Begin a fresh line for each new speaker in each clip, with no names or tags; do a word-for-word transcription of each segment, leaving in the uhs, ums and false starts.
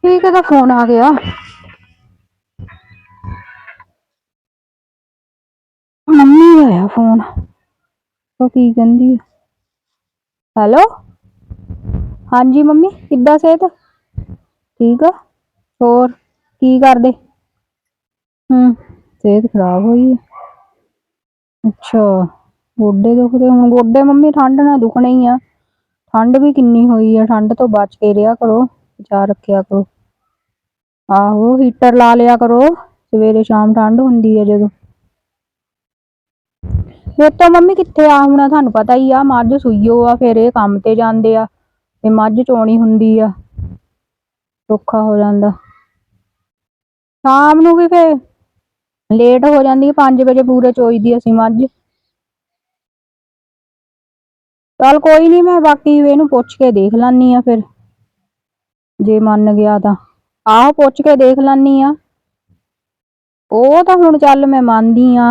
ठीक है तो फोन आ गया। मम्मी का है फोन तो की कहंदी है। हेलो हाँ जी मम्मी किद्दां सेहत ठीक है होर की करदे। हम्म सेहत खराब हुई है। अच्छा गोडे दुखदे हुण गोडे मम्मी ठंड नाल दुखने ही आ। ठंड भी किन्नी हुई है ठंड तो बच के रेहा करो बचा रखिया करो। आहो हीटर ला लिया करो सवेरे शाम ठंड हुंदी है जदों। फिर तो मम्मी कित्थे आ हुण तुहानूं पता ही आ मझ सूईओ आ फिर ये काम ते जांदे आ ते मझ चोणी हुंदी आ औखा हो जांदा। शाम नूं भी फिर लेट हो जांदी पांच बजे पूरे चोईदी असीं मझ। चल कोई नहीं मैं बाकी इहनूं पुछ के देख लैनी आ फिर जे मन गया तां आहो पुछ के देख लैनी आ। ਉਹ ਤਾਂ ਹੁਣ ਚੱਲ मैं ਮੰਨदी आ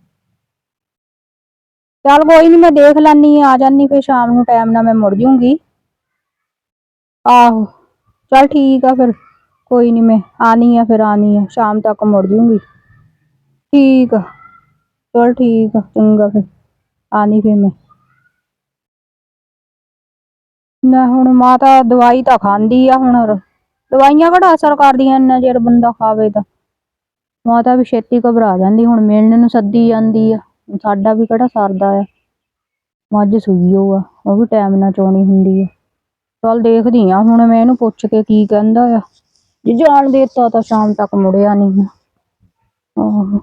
चल कोई नहीं मैं देख लैनी आ जानी फिर शाम नूं टाइम नाल मैं मुड़ जूंगी। आहो चल ठीक आ फिर कोई नहीं मैं आनी आ फिर आनी आ शाम तक मुड़ जूंगी। ठीक आ चल ठीक आ चंगा फिर आनी फिर मैं मैं हुण माता दवाई तां खांदी आ हुण दवाइयां किहड़ा असर करदियां इन्ना चिर बंदा खावे तां माता भी छेती घबरा जांदी हुण मिलण नूं सद्दी जांदी आ साडा भी किहड़ा सरदा आ मझ सूईओ आ ओह भी टाइम नाल चोणी हुंदी आ। चल देखदी आ हुण मैं इहनूं पुछ के की कहंदा आ जे जाण देता तां शाम तक मुड़ आनी आ। आहो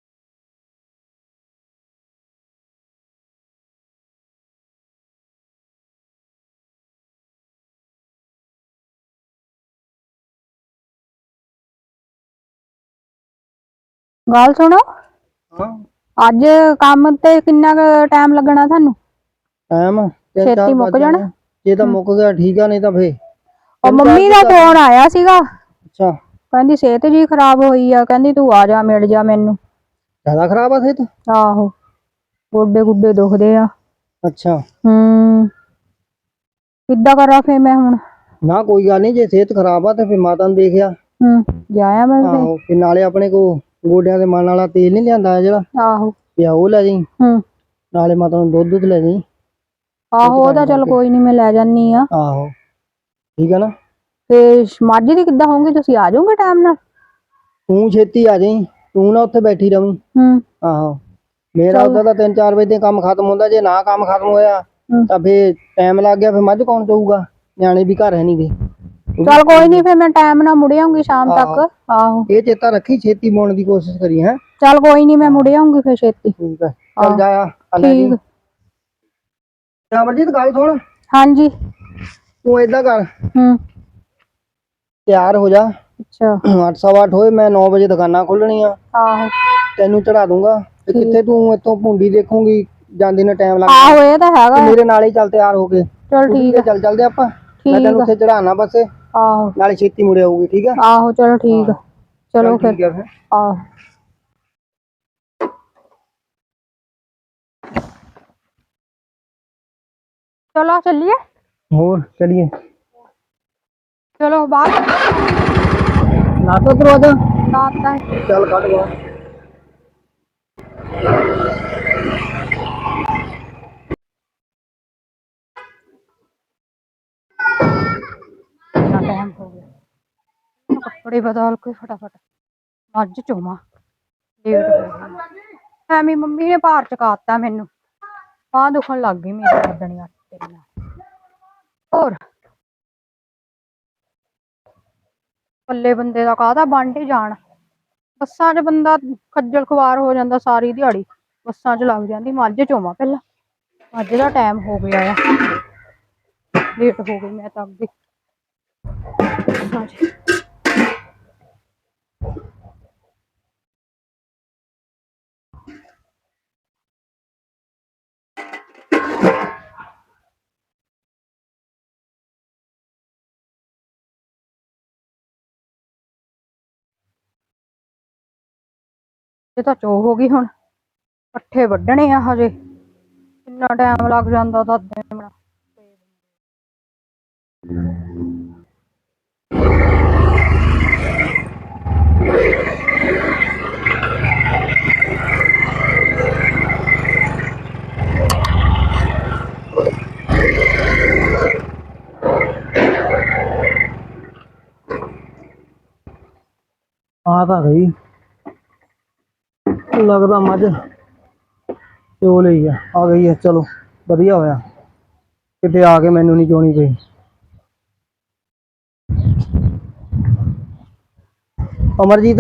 गल सुणो
हाँ
अज काम ते किन्ना क टाइम लगना थानू
टाइम तीन
छेती
चार
मुक
बज
जाना।
जाने जे तो मुक गया ठीक है नहीं तो फिर
और
तीन चार
मम्मी
भी
का
कर
फोन
लें।
आया सीगा
अच्छा
कहंदी सेहत जी खराब होई आ कहंदी तू आ जा मिल जा मैनू।
ज्यादा खराब है सेहत।
आहो गोडे गुडे दुखदे आ।
अच्छा
हम्म किद्दां करा फिर मैं हुण।
ना कोई गल नहीं जे सेहत खराब आ तो फिर माता नूं देखिया।
हम्म जाया मैं फिर।
आहो फिर नाले अपने को गोडियां दे मन वाला तेल नहीं लिआंदा जेहड़ा
आहो
पिया ओह लै जाईं
हम्म
नाले माता नूं दुध दुध लै जाईं।
आहो ओह तां चल कोई नहीं मैं लै जानी आ।
आहो ठीक है ना।
ते मझ दी किद्दां होऊंगी तुसीं आ जाओगे टाइम नाल।
तू छेती आ जाईं तू ना उत्थे बैठी रवीं।
हम्म
आहो मेरा
चल
उधर दा तीन चार बजे काम खत्म हुंदा जे ना काम खत्म होया
हम्म
तां फिर टाइम लग गया फिर मझ कौन चोऊगा न्याणे भी घर है नहीं गे।
चल कोई नहीं फिर मैं टाइम नाल मुड़ आऊंगी शाम
आहो
तक। आहो
ये चेता रखी छेती मुड़न की कोशिश करी है।
चल कोई नहीं मैं मुड़ आऊंगी फिर छेती।
ठीक है चल
आहो
जाया लै जी।
ठीक
अमरजीत गल सुन
हाँ जी
तू इदां कर
हम्म
तैयार हो जा
अच्छा
अठ सवा अठ होए मैं नौ बजे दुकाना खोलनियां
आहो
तेनू चढ़ा दूंगा ते कित्थे तू इत्थों भुंडी देखूंगी जांदी ने टाइम लग
आहो
जाना
ये तो हैगा
तू
है।
मेरे नाल ही चल तैयार हो के
चल
स्कूटी
ठीक
ते
है
चल चलदे आपां मैं तेनू
ठीक है
उत्थे चढ़ाना बस
आहो
नाले छेती मुड़े आऊगी ठीक है।
आहो चलो ठीक है चलो
चल
फिर
ठीक है फिर
आहो चलो चलिए
और चलिए
चलो बाहर
लातो दरवाजा
आता है।
चल कट गया
इतना टाइम हो गया कपड़े बदल के फटाफट मझ चोमा लेट हो गई एमी मम्मी ने भार चकाता मैनू बांह दुखन लग गई मेरी गर्दनियां तेरे नाल होर पल्ले बंदे दा काहदा बंड ही जान बस्सां च बंदा खज्जल खुआर हो जांदा सारी दिहाड़ी बस्सां च लग जांदी मझ चोवां पहला मझ दा टाइम हो गया आ लेट हो गई मैं तां अगे बस्सां च ये तां चो हो गई हुण पट्ठे वड्ढणे आ हजे किन्ना टाइम लग जांदा दादे
ਆ ਤਾਂ ਗਈ ਲੱਗਦਾ ਮੱਝ ਚੋ ਲਈ ਆ ਆ ਗਈ ਹੈ। ਚਲੋ ਵਧੀਆ ਹੋਇਆ ਕਿਤੇ ਆ ਕੇ ਮੈਨੂੰ ਨਹੀਂ ਚੋਣੀ ਪਈ। ਅਮਰਜੀਤ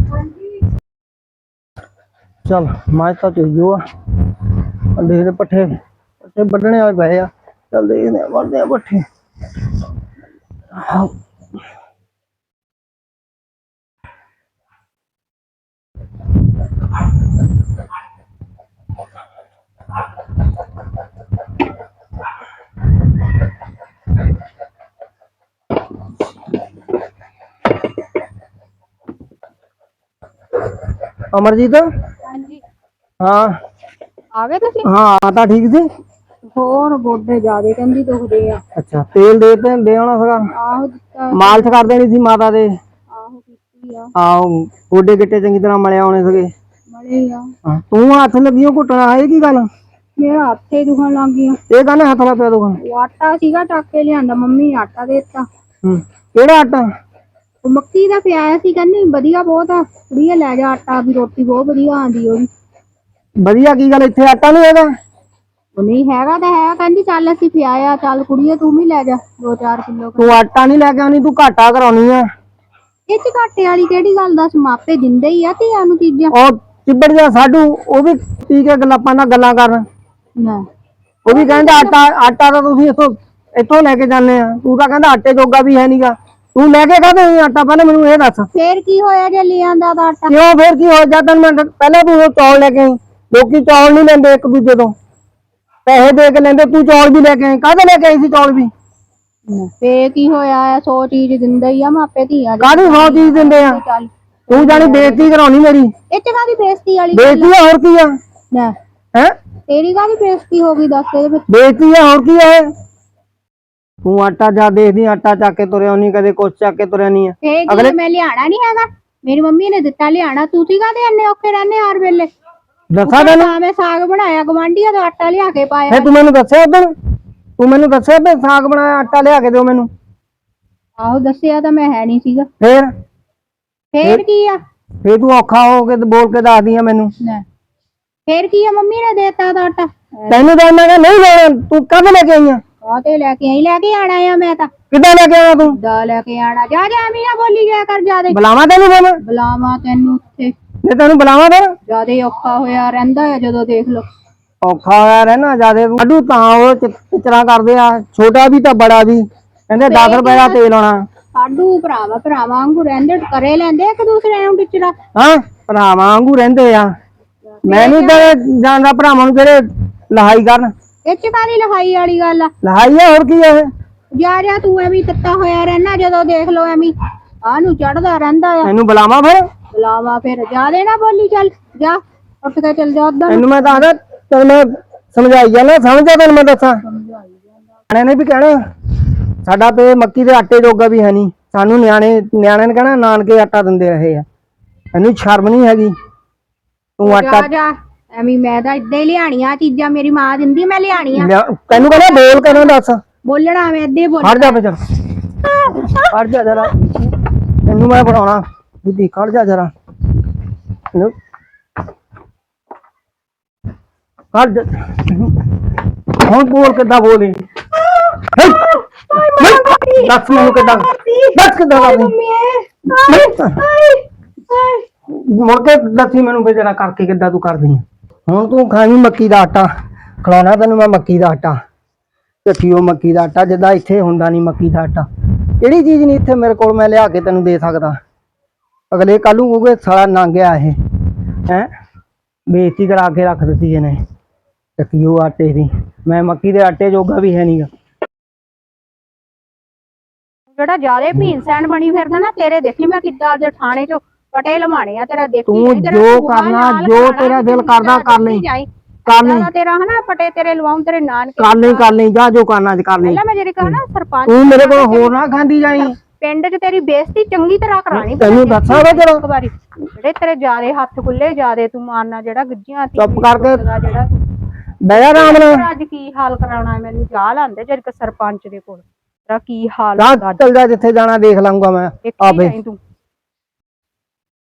चल मज तो चो आ देखते पट्ठे पट्ठे बड्ढने वाले पे आ। चल देखते बढ़ते पट्ठे। अमरजीत
ਹਾਂਜੀ
हाँ
ਆ ਗਏ ਤੁਸੀਂ?
हाँ आता ठीक सी।
ਹੋਰ ਗੋਡੇ ਜ਼ਿਆਦੇ ਕਹਿੰਦੀ ਦੁਖਦੇ ਆ।
अच्छा तेल दे ते दे आना सका
ਆਹੋ ਦਿੱਤਾ
मालिश कर देनी सी माता दे।
ਆਹੋ ਕੀਤੀ ਆ
आओ गोडे गिट्टे चंगी तरह मले आने सके।
ਮੜੇ ਆ
हाँ तू हथ लगियो घुटना है की गल
ਮੇਰਾ ਹੱਥੇ ਦੁਖਣ ਲੱਗ ਗਿਆ।
ये कहने हथ ला पे दुखन
ਉਹ ਆਟਾ ਸੀਗਾ ਚੱਕ ਕੇ ਲਿਆਂਦਾ ਮੰਮੀ ਨੇ ਆਟਾ ਦੇ ਦਿੱਤਾ।
हम्म केड़ा आटा
ਉਹ ਮੱਕੀ ਦਾ ਪਿਆਇਆ ਸੀ ਕਹਿੰਦੀ ਵਧੀਆ ਬਹੁਤ ਆ ਕੁੜੀਏ ਲੈ ਜਾ ਆਟਾ ਵੀ ਰੋਟੀ ਬਹੁਤ ਵਧੀਆ ਆਂਦੀ ਉਹਦੀ।
ਵਧੀਆ ਕੀ ਗੱਲ ਇੱਥੇ ਆਟਾ ਨਹੀਂ ਹੈਗਾ?
ਉਹ ਨਹੀਂ ਹੈਗਾ ਤਾਂ ਹੈ ਕਹਿੰਦੀ ਚੱਲ ਅਸੀਂ ਪਿਆਇਆ ਚੱਲ ਕੁੜੀਏ ਤੂੰ ਵੀ ਲੈ ਜਾ ਦੋ ਚਾਰ ਕਿਲੋ।
ਤੂੰ ਆਟਾ ਨਹੀਂ ਲੈ ਕੇ ਆਉਣੀ ਤੂੰ ਘਾਟਾ ਕਰਾਉਣੀ ਆ।
ਇਹ ਚ ਘਾਟੇ ਵਾਲੀ ਕਿਹੜੀ ਗੱਲ ਦੱਸ ਮਾਪੇ ਦਿੰਦੇ ਹੀ ਆ ਧੀਆਂ ਨੂੰ ਚੀਜ਼ਾਂ।
ਉਹ ਚਿੱਬੜ ਜਾ ਸਾਡੂ ਉਹ ਵੀ ਪੀ ਕੇ ਗੱਲਾਂ ਨਾਲ ਗੱਲਾਂ ਕਰਨ
ਨਾ
ਉਹ ਵੀ ਕਹਿੰਦਾ ਆਟਾ ਆਟਾ ਤਾਂ ਤੁਸੀਂ ਇੱਥੋਂ ਇੱਥੋਂ ਲੈ ਕੇ ਜਾਂਦੇ ਆ। ਤੂੰ ਤਾਂ ਕਹਿੰਦਾ ਆਟੇ ਜੋਗਾ ਵੀ ਹੈ ਨਹੀਂਗਾ ਤੂੰ ਲੈ ਕੇ ਕਾਹਦੇ ਆਟਾ ਪਹਿਲਾਂ ਮੈਨੂੰ ਇਹ ਦੱਸ।
ਫੇਰ ਕੀ ਹੋਇਆ ਜੇ ਲੈ ਆਂਦਾ ਤਾਂ ਆਟਾ?
ਕਿਉਂ ਫੇਰ ਕੀ ਹੋ ਜਾਂਦਾ ਮੈਂ ਪਹਿਲਾਂ ਤੂੰ ਉਹ ਚੌਲ ਲੈ ਕੇ ਆਈ। ਲੋਕੀ ਚੌਲ ਨਹੀਂ ਲੈਂਦੇ ਇੱਕ ਦੂਜੇ ਤੋਂ ਪੈਸੇ ਦੇ ਕੇ ਲੈਂਦੇ ਤੂੰ ਚੌਲ ਵੀ ਲੈ ਕੇ ਆਈ। ਕਾਹਦੇ ਲੈ ਕੇ ਆਈ ਸੀ ਚੌਲ ਵੀ?
ਫੇਰ ਕੀ ਹੋਇਆ ਸੌ ਚੀਜ਼ ਦਿੰਦੇ ਹੀ ਆ ਮਾਪੇ ਧੀਆਂ ਦੀ।
ਕਾਹਦੀ ਸੌ ਚੀਜ਼ ਦਿੰਦੇ ਆ?
ਚੱਲ
ਤੂੰ ਜਾਣੀ ਬੇਇੱਜ਼ਤੀ ਕਰਾਉਣੀ ਮੇਰੀ।
ਇਹ ਚ ਕਾਹਦੀ ਬੇਇੱਜ਼ਤੀ ਵਾਲੀ
ਬੇਇੱਜ਼ਤੀ ਆ ਹੋਰ ਕੀ ਆ?
ਨਾ
ਹੈ
ਤੇਰੀ ਕਾਹਦੀ ਬੇਇੱਜ਼ਤੀ ਹੋ ਗਈ ਦੱਸ ਇਹਦੇ ਵਿੱਚ?
ਬੇਇੱਜ਼ਤੀ ਆ ਹੋਰ ਕੀ ਆ ਇਹ? ਤੂੰ ਆਟਾ ਜਾ ਦੇਖਦੀ ਆਟਾ ਚੱਕ ਕੇ ਤੁਰਿਆ ਨਹੀਂ ਕਦੇ ਕੁਛ ਚੱਕ ਕੇ ਤੁਰਿਆ ਨਹੀਂ ਆ।
ਫੇਰ ਕੀ ਮੈਂ ਲਿਆਣਾ ਨਹੀਂ ਹੈਗਾ ਮੇਰੀ ਮੰਮੀ ਨੇ ਦਿੱਤਾ ਲਿਆਣਾ ਤੁਸੀਂ ਕਾਹਦੇ ਇੰਨੇ ਔਖੇ ਰਹਿੰਦੇ ਹਰ ਵੇਲੇ?
ਦੱਸਾਂ ਤੈਨੂੰ
ਤਾਂ ਮੈਂ ਸਾਗ ਬਣਾਇਆ ਗਵਾਂਢੀਆਂ ਦਾ ਆਟਾ ਲਿਆ ਕੇ ਪਾਇਆ।
ਫੇ ਤੂੰ ਮੈਨੂੰ ਦੱਸਿਆ ਉਦੋਂ ਤੂੰ ਮੈਨੂੰ ਦੱਸਿਆ ਵੀ ਸਾਗ ਬਣਾਇਆ ਆਟਾ ਲਿਆ ਕੇ ਦਿਓ ਮੈਨੂੰ।
ਆਹੋ ਦੱਸਿਆ ਤਾਂ ਮੈਂ ਹੈ ਨਹੀਂ ਸੀਗਾ।
ਫੇਰ
ਫੇਰ ਕੀ ਆ?
ਫੇਰ ਤੂੰ ਔਖਾ ਹੋ ਕੇ ਤੇ ਬੋਲ ਕੇ ਦੱਸਦੀ ਆ ਮੈਨੂੰ।
ਲੈ ਫੇਰ ਕੀ ਆ ਮੰਮੀ ਨੇ ਦੇਤਾ ਦਾ ਆਟਾ।
ਤੈਨੂੰ ਤਾਂ ਮੈਂ ਕਿਹਾ ਨਹੀਂ ਲੈਣਾ ਤੂੰ ਕਦ ਲੈ ਕੇ ਆਈ ਆ?
ਕਾਹਤੇ ਲੈ ਕੇ ਆਈ? ਲੈ ਕੇ ਆਣਾ ਆ ਮੈਂ ਤਾਂ।
ਕਿੱਦਾਂ ਲੈ ਕੇ ਆਇਆ ਤੂੰ?
ਦਾ ਲੈ ਕੇ ਆਣਾ ਜਾ ਜਾ ਐਵੇਂ ਨਾ ਬੋਲੀ ਜਾ ਕਰ ਜਿਆਦੇ।
ਬੁਲਾਵਾਂ ਤੈਨੂੰ ਫੇ ਮੈਂ?
ਬੁਲਾਵਾ ਤੈਨੂੰ ਉੱਥੇ
ਜੇ ਤੈਨੂੰ ਬੁਲਾਵਾਂ ਫਿਰ
ਜਿਆਦੇ ਔਖਾ ਹੋਇਆ ਰਹਿੰਦਾ ਆ ਜਦੋਂ ਦੇਖ ਲੋ।
ਔਖਾ ਹੋਇਆ ਰਹਿਣਾ ਜਿਆਦੇ ਤੂੰ ਅੱਡੂ ਤਾਂ ਉਹ ਚਿੱਤਰਾ ਕਰਦੇ ਆ ਛੋਟਾ ਵੀ ਤਾਂ ਬੜਾ ਵੀ ਕਹਿੰਦੇ ਦਸ ਰੁਪਏ ਦਾ ਤੇਲ ਆਉਣਾ।
ਸਾਡੂ ਭਰਾਵਾ ਭਰਾਵਾਂ ਵਾਂਗੂ ਰਹਿੰਦੇ ਕਰੇ ਲੈਂਦੇ ਇੱਕ ਦੂਸਰੇ ਨੂੰ ਟਿਚਰਾ।
ਹਾਂ ਭਰਾਵਾਂ ਵਾਂਗੂ ਰਹਿੰਦੇ ਆ। ਮੈਂ ਨਹੀਂ ਤਾਂ ਜਾਂਦਾ ਭਰਾਵਾਂ ਨੂੰ ਜਿਹੜੇ ਲਹਾਈ ਕਰਨ।
ਇਹ ਚ ਕਾਹਦੀ ਲਹਾਈ ਵਾਲੀ ਗੱਲ ਆ?
ਲਹਾਈ ਆ ਹੋਰ ਕੀ ਆ ਇਹ?
ਜਾ ਜਾ ਤੂੰ ਐਵੇਂ ਤੱਤਾ ਹੋਇਆ ਰਹਿਣਾ ਜਦੋਂ ਦੇਖ ਲੋ ਐਵੇਂ ਆਹ ਨੂੰ ਚੜਦਾ ਰਹਿੰਦਾ ਆ।
ਤੈਨੂੰ ਬੁਲਾਵਾਂ ਫਿਰ?
ਬੁਲਾਵਾ ਫਿਰ ਜਿਆਦੇ ਨਾ ਬੋਲੀ ਚੱਲ ਜਾ ਉੱਠ ਕੇ ਚੱਲ ਜਾ ਉਧਰ।
ਤੈਨੂੰ ਮੈਂ ਦੱਸਦਾ ਤੈਨੂੰ ਮੈਂ ਸਮਝਾਈ ਜਾਣਾ ਸਮਝਿਆ ਤੈਨੂੰ ਮੈਂ ਦੱਸਾਂ। ਨਿਆਣੇ ਨੇ ਵੀ ਕਹਿਣਾ ਸਾਡਾ ਤੇ ਮੱਕੀ ਦੇ ਆਟੇ ਜੋਗਾ ਵੀ ਹੈ ਨਹੀਂ। ਸਾਨੂੰ ਨਿਆਣੇ ਨਿਆਣਿਆਂ ਨੇ ਕਹਿਣਾ ਨਾਨਕੇ ਆਟਾ ਦਿੰਦੇ ਰਹੇ ਆ। ਤੈਨੂੰ ਸ਼ਰਮ ਨਹੀਂ ਹੈਗੀ? ਤੂੰ ਆਟਾ
ਜਾ ਜਾ ਐਵੇਂ ਮੈਂ ਤਾਂ ਏਦਾਂ ਹੀ ਲਿਆਣੀਆਂ ਚੀਜ਼ਾਂ ਮੇਰੀ ਮਾਂ ਦਿੰਦੀ ਮੈਂ ਲਿਆਣੀਆਂ।
ਤੈਨੂੰ ਕਹਿੰਦਾ ਬੋਲ ਕੇ ਨਾ ਦੱਸ।
ਬੋਲਣਾ ਮੈਂ ਏਦਾਂ ਹੀ ਬੋਲ।
ਖੜ ਜਾ ਫਿਰ ਖੜ ਜਾ ਜਰਾ ਤੈਨੂੰ ਮੈਂ ਪੜਾਉਣਾ ਦੀਦੀ ਖੜ ਜਾ ਜਰਾ ਖੜ ਜਾ ਹੁਣ ਬੋਲ ਕਿੱਦਾਂ ਬੋਲੀ ਦੱਸ ਮੈਨੂੰ ਕਿੱਦਾਂ ਦੱਸ ਕਿੱਦਾਂ ਮੁੜ ਕੇ ਦੱਸੀ ਮੈਨੂੰ ਵੀ ਜਰਾ ਕਰਕੇ ਕਿੱਦਾਂ ਤੂੰ ਕਰਦੀ ਆ। ਹੁਣ ਤੂੰ ਖਾਵੀਂ ਮੱਕੀ ਦਾ ਆਟਾ ਖਿਲਾਉਣਾ ਤੈਨੂੰ ਮੈਂ ਮੱਕੀ ਦਾ ਆਟਾ ਚੱਠੀਓ ਮੱਕੀ ਦਾ ਆਟਾ ਜਿੱਦਾਂ ਇੱਥੇ ਹੁੰਦਾ ਨਹੀਂ ਮੱਕੀ ਦਾ ਆਟਾ। ਕਿਹੜੀ ਚੀਜ਼ ਨਹੀਂ ਇੱਥੇ ਮੇਰੇ ਕੋਲ ਮੈਂ ਲਿਆ ਕੇ ਤੈਨੂੰ ਦੇ ਸਕਦਾ। ਅਗਲੇ ਕੱਲ ਨੂੰ ਕਹੂਗੇ ਸਾਲਾ ਨੰਗਿਆ ਇਹ ਹੈ ਬੇਇੱਜ਼ਤੀ ਕਰਾ ਕੇ ਰੱਖ ਦਿੱਤੀ ਇਹਨੇ ਚੱਕੀਓ ਆਟੇ ਦੀ। ਮੈਂ ਮੱਕੀ ਦੇ ਆਟੇ ਜੋਗਾ ਵੀ ਹੈ ਨਹੀਂਗਾ।
ਜਿਹੜਾ ਜਿਆਦੇ ਭੀਨ ਸੈਨ ਬਣੀ ਫਿਰਦਾ ਨਾ ਤੇਰੇ ਦੇਖੀ ਮੈਂ ਕਿੱਦਾਂ ਅੱਜ ਥਾਣੇ ਚੋਂ ਪਟੇ ਲਮਾਣੇ ਆ ਤੇਰਾ ਦੇਖੀ।
ਤੂੰ ਜੋ ਕਰਨਾ ਜੋ ਤੇਰਾ ਦਿਲ ਕਰਦਾ ਕਰ ਲਈ ਕਰ ਲਈ
ਤੇਰਾ ਹਨਾ ਪਟੇ ਤੇਰੇ ਲਵਾਉਂ ਤੇਰੇ ਨਾਨਕੇ
ਕਰ ਲਈ ਕਰ ਲਈ ਜਾ ਜੋ ਕਰਨਾ ਅੱਜ ਕਰ ਲਈ।
ਪਹਿਲਾਂ ਮੈਂ ਜਿਹੜੀ ਕਹਾਂ ਨਾ ਸਰਪੰਚ
ਤੂੰ ਮੇਰੇ ਕੋਲ ਹੋਰ ਨਾ ਖਾਂਦੀ ਜਾਈ।
ਪਿੰਡ 'ਚ ਤੇਰੀ ਬੇਇੱਜ਼ਤੀ ਚੰਗੀ ਤਰ੍ਹਾਂ ਕਰਾਣੀ
ਤੈਨੂੰ ਦੱਸਾਂ ਵਾ
ਇੱਕ ਵਾਰੀ ਜਿਹੜੇ ਤੇਰੇ ਜਿਆਦੇ ਹੱਥ ਖੁੱਲੇ ਜਿਆਦੇ ਤੂੰ ਮਾਰਨਾ ਜਿਹੜਾ ਗੱਜੀਆਂ
ਚੁੱਪ ਕਰਕੇ
ਜਿਹੜਾ
ਬਹਿ ਜਾ ਆਰਾਮ ਨਾਲ।
ਅੱਜ ਕੀ ਹਾਲ ਕਰਾਉਣਾ ਮੈਨੂੰ ਜਾ ਲਾਂਦੇ ਜਦ ਕਿ ਸਰਪੰਚ ਦੇ ਕੋਲ ਤੇਰਾ ਕੀ ਹਾਲ
ਚੱਲ ਜਾ ਜਿੱਥੇ ਜਾਣਾ ਦੇਖ ਲਾਂਗਾ ਮੈਂ ਆਪੇ।
ਤੂੰ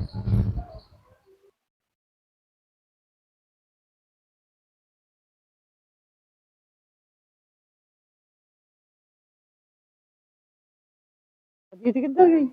ਜੀਤ ਕਿੱਧਰ ਗਈ?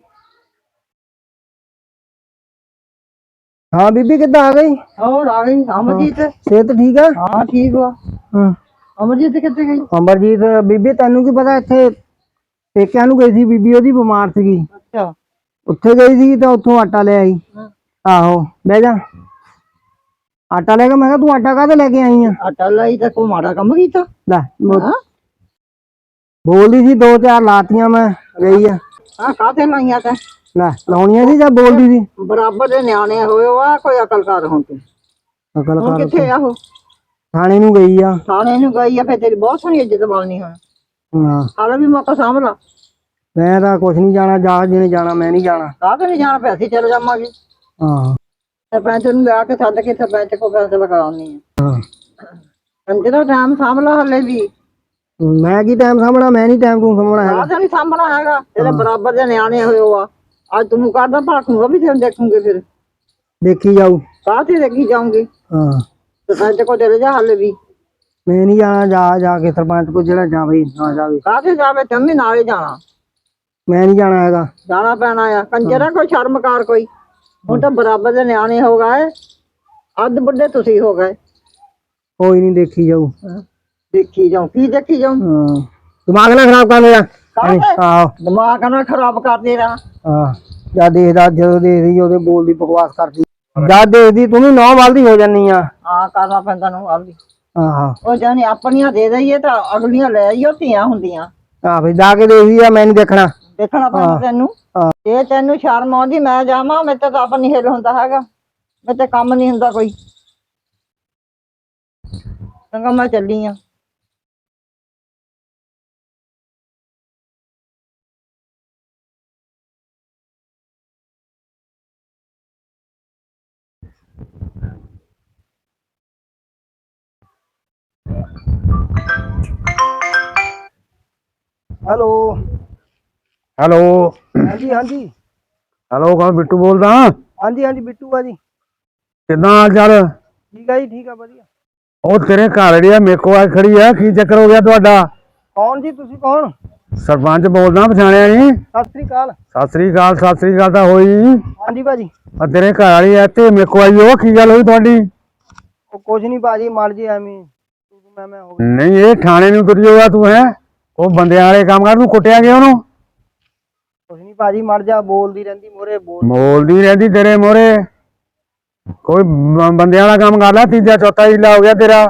ਹਾਂ ਬੀਬੀ ਕਿੱਦਾਂ ਆ ਗਈ?
ਹੋਰ ਆ ਗਈ ਅਮਰਜੀਤ।
ਸਿਹਤ ਠੀਕ ਆ?
ਹਾਂ ਠੀਕ ਵਾ।
ਹਾਂ
ਅਮਰਜੀਤ ਕਿੱਥੇ ਗਈ?
ਅਮਰਜੀਤ ਬੀਬੀ ਤੈਨੂੰ ਕੀ ਪਤਾ, ਇੱਥੇ ਪੇਕਿਆਂ ਨੂੰ ਗਈ ਸੀ ਬੀਬੀ, ਉਹਦੀ ਬਿਮਾਰ ਸੀਗੀ,
ਅੱਛਾ
ਉੱਥੇ ਗਈ ਸੀ ਤਾਂ ਉੱਥੋਂ ਆਟਾ ਲੈ ਆਈ। ਆਹੋ ਬਹਿ ਜਾ। ਆਟਾ ਲੈ ਕੇ, ਮੈਂ ਕਿਹਾ ਤੂੰ ਆਟਾ ਕਾਹਦੇ ਲੈ ਕੇ ਆਈ ਆ?
ਆਟਾ ਲਈ ਤਾਂ ਕੋਈ ਮਾੜਾ ਕੰਮ ਕੀਤਾ?
ਲੈ
ਹਾਂ
ਬੋਲਦੀ ਸੀ, ਦੋ ਚਾਰ ਲਾਤੀਆਂ, ਮੈਂ ਗਈ ਆ।
ਹਾਂ ਕਾਹਤੇ ਲਾਈਆਂ ਤੈਂ?
ਲੈ ਲਾਉਣੀਆਂ ਸੀ ਜਾਂ ਬੋਲਦੀ ਸੀ?
ਬਰਾਬਰ ਦੇ ਨਿਆਣੇ ਹੋਏ ਵਾ, ਕੋਈ ਅਕਲ ਕਰ ਹੁਣ ਤੂੰ।
ਅਕਲ
ਹੁਣ
ਕਰ,
ਕਿੱਥੇ ਆ ਉਹ?
ਥਾਣੇ ਨੂੰ ਗਈ ਆ।
ਥਾਣੇ ਨੂੰ ਗਈ ਆ? ਫਿਰ ਤੇਰੀ ਬਹੁਤ ਸੋਹਣੀ ਇੱਜ਼ਤ ਬਣਨੀ ਹੁਣ।
ਹਾਂ
ਹਾਲੇ ਵੀ ਮੌਕਾ ਸਾਂਭ ਲਾ।
ਮੈਂ ਤਾਂ ਕੁਛ ਨਹੀਂ ਜਾਣਾ, ਜਾ ਜਿਹਨੇ ਜਾਣਾ, ਮੈਂ ਨਹੀਂ ਜਾਣਾ।
ਕਾਹਤੇ ਨਹੀਂ ਜਾਣਾ? ਪੈਸੇ ਚਲੇ ਜਾਵਾਂਗੇ।
ਹਾਂ
ਸਰਪੰਚ ਨੂੰ ਲਿਆ ਕੇ ਸੱਦ ਕੇ ਸਰਪੰਚ ਕੋਲ ਫੈਸਲਾ ਕਰਾਉਣੀ ਆ।
ਹਾਂ
ਕੰਜੇ ਦਾ ਟਾਈਮ ਸਾਂਭ ਲਾ ਹਲੇ ਵੀ।
ਮੈਂ ਕੀ ਟਾਈਮ ਸਾਂਭਣਾ? ਮੈਂ ਨਹੀਂ ਟਾਈਮ ਤੂੰ ਸਾਂਭਣਾ ਹੈਗਾ।
ਕਾਹਤੇ ਨਹੀਂ ਸਾਂਭਣਾ ਹੈਗਾ? ਇਹਦੇ ਬਰਾਬਰ ਦੇ ਨਿਆਣੇ ਹੋਏ ਵਾ। ਅੱਜ ਤੂੰ ਕਰਦਾ ਭਾਖੂਗਾ ਵੀ ਤੈਨੂੰ ਦੇਖੂਗੇ, ਫਿਰ
ਦੇਖੀ ਜਾਊ।
ਕਾਹਤੇ ਦੇਖੀ ਜਾਊਂਗੀ?
ਹਾਂ
ਸਰਪੰਚ ਕੋਲ ਚਲੇ ਜਾ ਹਲੇ ਵੀ।
ਮੈਂ ਨਹੀਂ ਜਾਣਾ, ਜਾ ਜਾ ਕੇ ਸਰਪੰਚ ਕੋਲ, ਜਿਹੜਾ ਜਾਵੇ ਨਾ ਜਾਵੇ।
ਕਾਹਤੇ ਜਾਵੇ? ਤੈਨੂੰ ਵੀ ਨਾਲ ਹੀ ਜਾਣਾ।
ਮੈਂ ਨਹੀਂ ਜਾਣਾ ਹੈਗਾ।
ਜਾਣਾ ਪੈਣਾ ਆ। ਕੰਜਰਾ ਕੋਈ ਸ਼ਰਮ ਕਰ ਕੋਈ। ਹੁਣ ਤਾਂ ਬਰਾਬਰ ਦੇ ਨਿਆਣੇ ਹੋ ਗਏ, ਅੱਧ ਬੁੱਢੇ ਤੁਸੀਂ ਹੋ ਗਏ।
ਕੋਈ ਨਹੀਂ, ਦੇਖੀ ਜਾਊ।
ਦੇਖੀ ਜਾਉ। ਕੀ ਦੇਖੀ ਜਾਉ?
ਹਾਂ ਦਿਮਾਗ ਨਾ ਖਰਾਬ ਕਰ ਮੇਰਾ। ਆਹੋ
ਦਿਮਾਗ ਨਾ ਖਰਾਬ ਕਰਦੇ ਰਹਾ।
ਹਾਂ ਜਾਂ ਦੇਖਦਾ, ਜਦੋਂ ਦੇਖਦੀ ਉਹਦੇ ਬੋਲਦੀ ਬਕਵਾਸ ਕਰਦੀ, ਜਦ ਦੇਖਦੀ ਤੂੰ ਵੀ ਨੌ ਵੱਲਦੀ ਹੋ ਜਾਨੀ ਆ।
ਹਾਂ ਕਰਨਾ ਪੈਂਦਾ ਨੂੰ ਆਪਦੀ।
ਆਹੋ
ਉਹ ਜਾਨੀ ਆਪਣੀਆਂ ਦੇ ਦਈਏ ਤਾਂ ਅਗਲੀਆਂ ਲੈ ਆਈਓ, ਧੀਆਂ ਹੁੰਦੀਆਂ।
ਆਹ ਵੀ ਜਾ ਕੇ ਦੇਖਦੀ ਆ, ਮੈਂ ਨੀ ਦੇਖਣਾ।
ਦੇਖਣਾ ਪੈਂਦਾ ਤੈਨੂੰ। ਜੇ ਤੈਨੂੰ ਸ਼ਰਮ ਆਉਂਦੀ ਮੈਂ ਜਾਵਾਂ, ਮੇਰੇ ਤੇ ਤਾਂ ਆਪ ਨੀ ਹਿੱਲ ਹੁੰਦਾ ਹੈਗਾ। ਮੇਰੇ ਤੇ ਕੰਮ ਨੀ ਹੁੰਦਾ ਕੋਈ। ਚੰਗਾ ਮੈਂ ਚੱਲੀ ਆ।
ਹੈਲੋ
ਹੈਲੋ
ਹਾਂਜੀ ਹਾਂਜੀ
ਹੈਲੋ ਕੌਣ? ਬਿੱਟੂ ਬੋਲਦਾ।
ਹਾਂਜੀ ਹਾਂਜੀ ਬਿੱਟੂ ਆ ਜੀ।
ਕਿੱਦਾਂ ਹਾਲ ਚਾਲ?
ਠੀਕ ਆ ਜੀ, ਠੀਕ ਆ, ਵਧੀਆ।
ਉਹ ਤੇਰੇ ਘਰ ਜਿਹੜੀ ਆ ਮੇਰੇ ਕੋਲ ਆ ਖੜੀ ਆ, ਕੀ ਚੱਕਰ ਹੋ ਗਿਆ ਤੁਹਾਡਾ?
ਕੌਣ ਜੀ? ਤੁਸੀਂ ਕੌਣ?
ਸਰਪੰਚ ਬੋਲਦਾ, ਪਛਾਣਿਆ ਨਹੀਂ?
ਸਤਿ ਸ੍ਰੀ ਅਕਾਲ।
ਸਤਿ ਸ੍ਰੀ ਅਕਾਲ। ਸਤਿ ਸ੍ਰੀ ਅਕਾਲ ਤਾਂ ਹੋਈ।
ਹਾਂਜੀ ਭਾਜੀ।
ਆ ਤੇਰੇ ਘਰ ਵਾਲੀ ਆ ਤੇ ਮੇਰੇ ਕੋਲ ਆਈ, ਉਹ ਕੀ ਗੱਲ ਹੋਈ ਤੁਹਾਡੀ?
ਉਹ ਕੁਝ ਨਹੀਂ ਭਾਜੀ, ਮਰ ਜੀ ਐਵੇਂ ਤੂੰ ਮੈਂ ਮੈਂ ਹੋ ਗਈ।
ਨਹੀਂ ਇਹ ਥਾਣੇ ਨੂੰ ਤੁਰ ਜਾਊਗਾ ਤੂੰ? ਹੈ ਉਹ ਬੰਦਿਆਂ ਵਾਲੇ ਕੰਮ ਕਰ, ਤੂੰ ਕੁੱਟਿਆ ਗਿਆ ਉਹਨੂੰ?
ਕੁਝ ਨਹੀਂ ਭਾਜੀ, ਮਰ ਜਾ। ਬੋਲਦੀ ਰਹਿੰਦੀ ਮੋਰੇ, ਬੋਲ
ਬੋਲਦੀ ਰਹਿੰਦੀ ਤੇਰੇ ਮੋਰੇ। ਕੋਈ ਬ- ਬੰਦਿਆਂ ਵਾਲਾ ਕੰਮ ਕਰ ਲੈ, ਤੀਜਾ ਚੌਥਾ ਹੀਲਾ ਹੋ ਗਿਆ ਤੇਰਾ।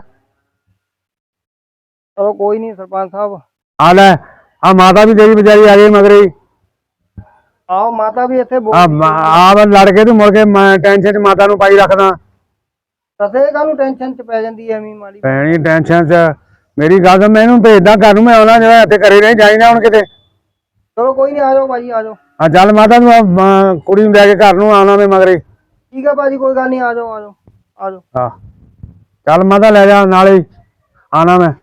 ਚਲੋ ਕੋਈ ਨਹੀਂ ਸਰਪੰਚ ਸਾਹਿਬ।
ਆ ਲੈ ਆ ਮਾਤਾ ਵੀ ਤੇਰੀ ਵਿਚਾਰੀ ਆ ਗਈ ਮਗਰੇ ਹੀ।
ਆਓ ਮਾਤਾ ਵੀ ਇੱਥੇ
ਆ
ਬੋਲ।
ਆਪ ਲੜ ਕੇ ਤੂੰ ਮੁੜ ਕੇ ਮੈਂ ਟੈਨਸ਼ਨ ਚ ਮਾਤਾ ਨੂੰ ਪਾਈ ਰੱਖਦਾ।
ਤਸੇ ਕਾਹਨੂੰ ਟੈਨਸ਼ਨ ਚ ਪੈ ਜਾਂਦੀ ਐਵੇਂ ਮਾੜੀ।
ਪੈਣੀ ਟੈਨਸ਼ਨ ਚ? ਮੇਰੀ ਗੱਲ ਤਾਂ ਮੈਂ ਇਹਨੂੰ ਭੇਜਦਾ ਘਰ ਨੂੰ, ਮੈਂ ਆਉਣਾ ਜਿਹੜਾ ਇੱਥੇ ਘਰੇ ਨਹੀਂ ਜਾਈਦਾ ਹੁਣ ਕਿਤੇ।
ਚਲੋ ਕੋਈ ਨਹੀਂ, ਆ ਜਾਓ ਭਾਜੀ, ਆ ਜਾਓ।
ਆ ਚੱਲ ਮਾਤਾ ਨੂੰ ਅਹ, ਕੁੜੀ ਨੂੰ ਲੈ ਕੇ ਘਰ ਨੂੰ ਆਉਣਾ ਮੈਂ ਮਗਰੇ।
ਠੀਕ ਆ ਭਾਜੀ, ਕੋਈ ਗੱਲ ਨਹੀਂ, ਆ ਜਾਓ ਆ ਜਾਓ ਆ ਜਾਓ।
ਹਾਂ ਚੱਲ ਮਾਤਾ ਲੈ ਜਾ ਨਾਲੇ ਹੀ ਆਉਣਾ ਮੈਂ।